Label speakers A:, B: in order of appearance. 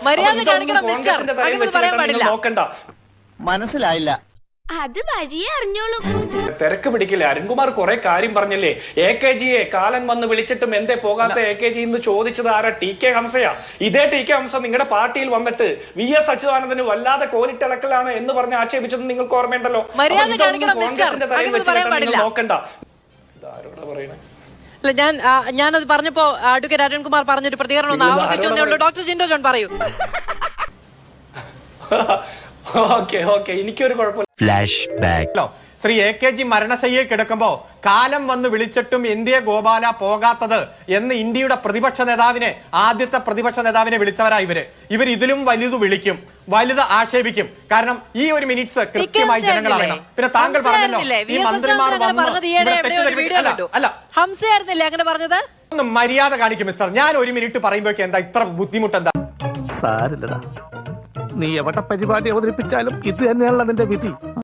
A: മര്യാദ കാണിക്കണം മിസ്റ്റർ. അങ്ങനെ പറയാൻ പാടില്ല.
B: നോക്കണ്ട.
C: മനസ്സിലായില്ല.
D: അത് വഴിയേ അറിഞ്ഞോളൂ.
B: തിരക്ക് പിടിക്കില്ലേ? അരുൺകുമാർ കുറെ കാര്യം പറഞ്ഞില്ലേ. AKGയെ കാലൻ വന്ന് വിളിച്ചിട്ടും എന്തേ പോകാത്ത AKG എന്ന് ചോദിച്ചത് ആരാ? TK ഹംസയാ. ഇതേ TK ഹംസ നിങ്ങളുടെ പാർട്ടിയിൽ വന്നിട്ട് VS അച്യുതാനന്ദന് വല്ലാതെ കോലിട്ടിളക്കലാണ് എന്ന് പറഞ്ഞ് ആക്ഷേപിച്ചത് നിങ്ങൾക്ക് ഓർമ്മയുണ്ടല്ലോ. കോൺഗ്രസിന്റെ തലയിൽ വെച്ച് നോക്കണ്ട. ഇതാരോടാ പറയണേ?
A: ഞാനത് പറഞ്ഞപ്പോ അഡ്വക്കേറ്റ് അരുൺകുമാർ പറഞ്ഞൊരു പ്രതികരണം ഒന്ന് ആവർത്തിച്ചേ ഉള്ളൂ. ഡോക്ടർ ജിൻഡോ ജോൺ പറയൂ.
B: ഓക്കെ എനിക്കൊരു കുഴപ്പമില്ല.
E: Flashback.
F: ശ്രീ AKG മരണശയ്യയിൽ കിടക്കുമ്പോ കാലം വന്ന് വിളിച്ചിട്ടും എന്തേ ഗോപാല പോകാത്തത് എന്ന് ഇന്ത്യയുടെ പ്രതിപക്ഷ നേതാവിനെ, ആദ്യത്തെ പ്രതിപക്ഷ നേതാവിനെ വിളിച്ചവരാ ഇവർ ഇതിലും വലുത് വിളിക്കും, വലുത് ആക്ഷേപിക്കും. കാരണം ഈ ഒരു മിനിറ്റ്സ് കൃത്യമായി ജനങ്ങൾ അറിയണം. പിന്നെ താങ്കൾ പറഞ്ഞല്ലോ ഈ മന്ത്രിമാർ ഒന്ന് മര്യാദ കാണിക്കും മിസ്റ്റർ. ഞാൻ ഒരു മിനിറ്റ് പറയുമ്പോഴേക്ക് എന്താ ഇത്ര ബുദ്ധിമുട്ട്? എന്താ
G: സാരില്ലടാ, നീ എവിടെ പരിപാടി അവതരിപ്പിച്ചാലും ഇത് തന്നെയാണല്ലോ നിന്റെ വിധി.